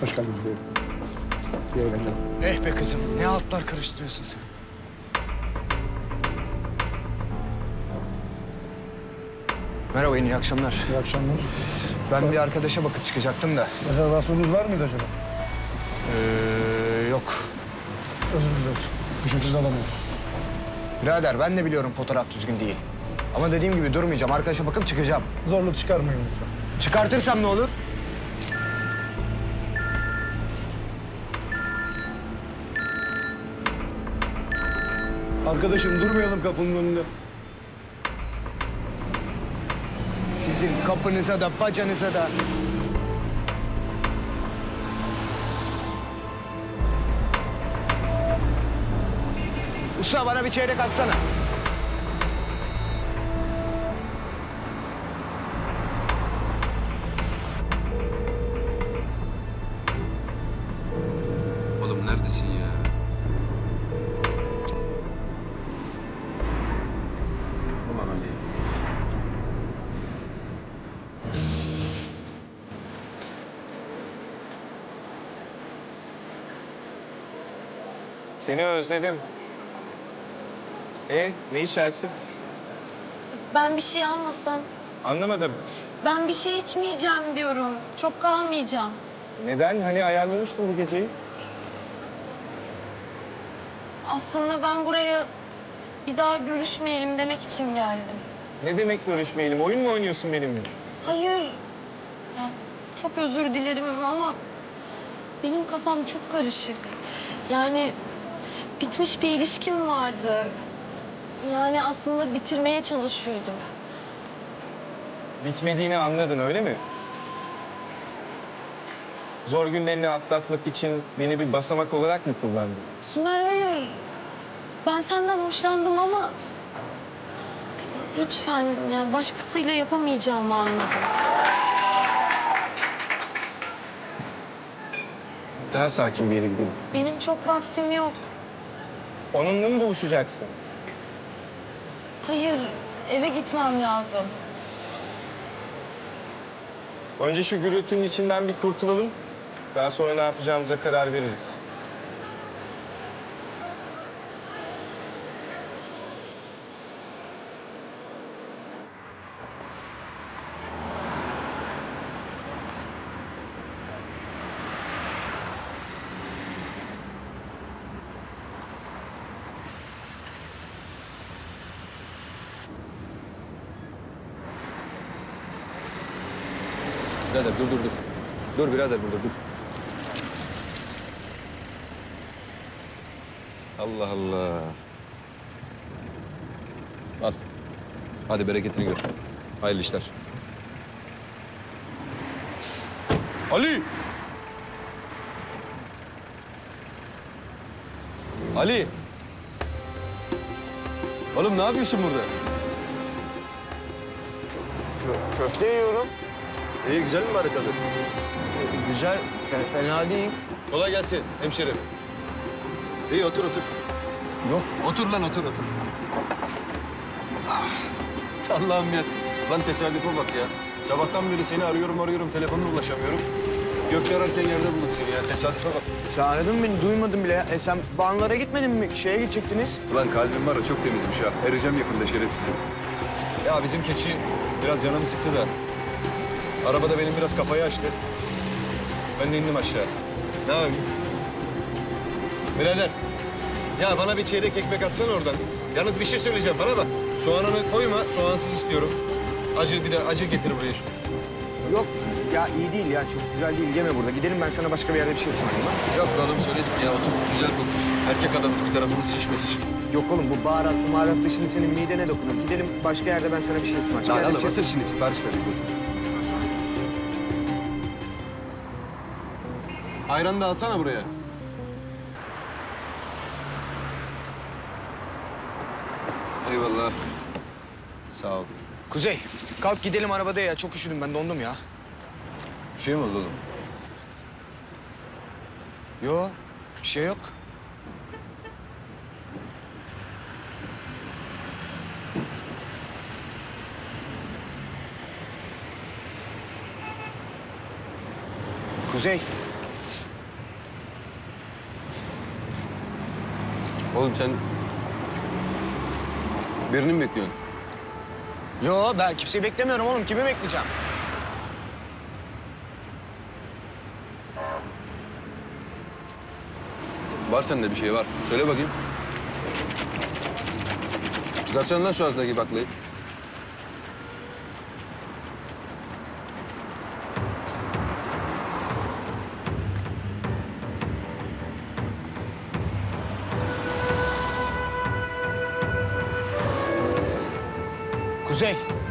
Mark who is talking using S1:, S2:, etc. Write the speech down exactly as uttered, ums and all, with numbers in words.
S1: Hoş geldiniz diyelim. İyi eğlenceler.
S2: Eh be kızım, ne altlar karıştırıyorsun sen? Merhaba, iyi akşamlar.
S1: İyi akşamlar.
S2: Ben bir arkadaşa bakıp çıkacaktım da.
S1: Rezervasyonunuz var mıydı acaba?
S2: Ee, yok.
S1: Özür dileriz. Bu şekilde alamıyoruz.
S2: Birader, ben de biliyorum fotoğraf düzgün değil. Ama dediğim gibi durmayacağım. Arkadaşa bakıp çıkacağım.
S1: Zorluk çıkarmayın lütfen.
S2: Çıkartırsam ne olur?
S1: Arkadaşım durmayalım kapının önünde.
S2: Sizin kapınıza da, bacanıza da. Usta, bana bir çeyrek atsana.
S3: Oğlum neredesin ya? Ulan Ali.
S4: Seni özledim. E ne içersin?
S5: Ben bir şey almasam.
S4: Anlamadım.
S5: Ben bir şey içmeyeceğim diyorum. Çok kalmayacağım.
S4: Neden? Hani ayarlamıştın bu geceyi.
S5: Aslında ben buraya bir daha görüşmeyelim demek için geldim.
S4: Ne demek görüşmeyelim? Oyun mu oynuyorsun benimle?
S5: Hayır. Ya, çok özür dilerim ama benim kafam çok karışık. Yani bitmiş bir ilişkim vardı. Yani aslında bitirmeye çalışıyordum.
S4: Bitmediğini anladın öyle mi? Zor günlerini atlatmak için beni bir basamak olarak mı kullandın?
S5: Sümer, hayır. Ben senden hoşlandım ama lütfen, yani başkasıyla yapamayacağımı anladım.
S4: Daha sakin bir yere gidelim.
S5: Benim çok vaktim yok.
S4: Onunla mı buluşacaksın?
S5: Hayır, eve gitmem lazım.
S4: Önce şu gürültünün içinden bir kurtulalım. Daha sonra ne yapacağımıza karar veririz.
S3: Birader dur dur dur. Dur birader burada dur. Allah Allah. Al. Hadi bereketini gör. Hayırlı işler. Ali! Ali! Oğlum ne yapıyorsun burada?
S4: Köfte yiyorum.
S3: İyi güzel mi bari tadı?
S2: Güzel, fe- fena değil.
S3: Kolay gelsin hemşerim. İyi otur otur.
S2: Yok.
S3: Otur lan otur otur. Ah, Allah'ım ya. Lan tesadüfe bak ya. Sabahtan beri seni arıyorum arıyorum telefonuna ulaşamıyorum. Gökçe ararken yerde bulduk seni ya. Tesadüfe bak.
S2: Sen aradın beni, duymadım bile ya. E sen Banlara gitmedin mi? Şeye gidecektiniz.
S3: Ulan kalbim var ya çok temizmiş ha. Ereceğim yakında şerefsizim. Ya bizim keçi biraz canımı sıktı da. Arabada benim biraz kafayı açtı. Ben de indim aşağı. Ne yapayım? Birader. Ya bana bir çeyrek ekmek atsana oradan. Yalnız bir şey söyleyeceğim bana bak. Soğanını koyma, soğansız istiyorum. Acı bir de acı getir buraya şu.
S2: Yok ya, iyi değil ya, çok güzel değil. Yeme burada. Gidelim, ben sana başka bir yerde bir şey ısmarlayayım ha.
S3: Yok be oğlum söyledik ya otur. Güzel koktur. Erkek adamız bir tarafımız şişmesin.
S2: Yok oğlum, bu baharat, baharat şimdi senin midene dokunur. Gidelim başka yerde, ben sana bir şey ısmarlayayım.
S3: Lan
S2: Yerde bir
S3: oğlum
S2: şey
S3: otur şimdi sipariş vereyim otur. Ayranı da alsana buraya. Eyvallah. Sağ ol.
S2: Kuzey, kalk gidelim arabada ya. Çok üşüdüm ben, dondum ya.
S3: Bir şey mi oldu oğlum?
S2: Yo, bir şey yok. Kuzey,
S3: Oğlum sen birini mi bekliyorsun?
S2: Yo ben kimseyi beklemiyorum oğlum. Kimi bekleyeceğim?
S3: Var sende bir şey var. Söyle bakayım. Çıkarsana lan şu ağzındaki baklayı.
S2: Kuzey.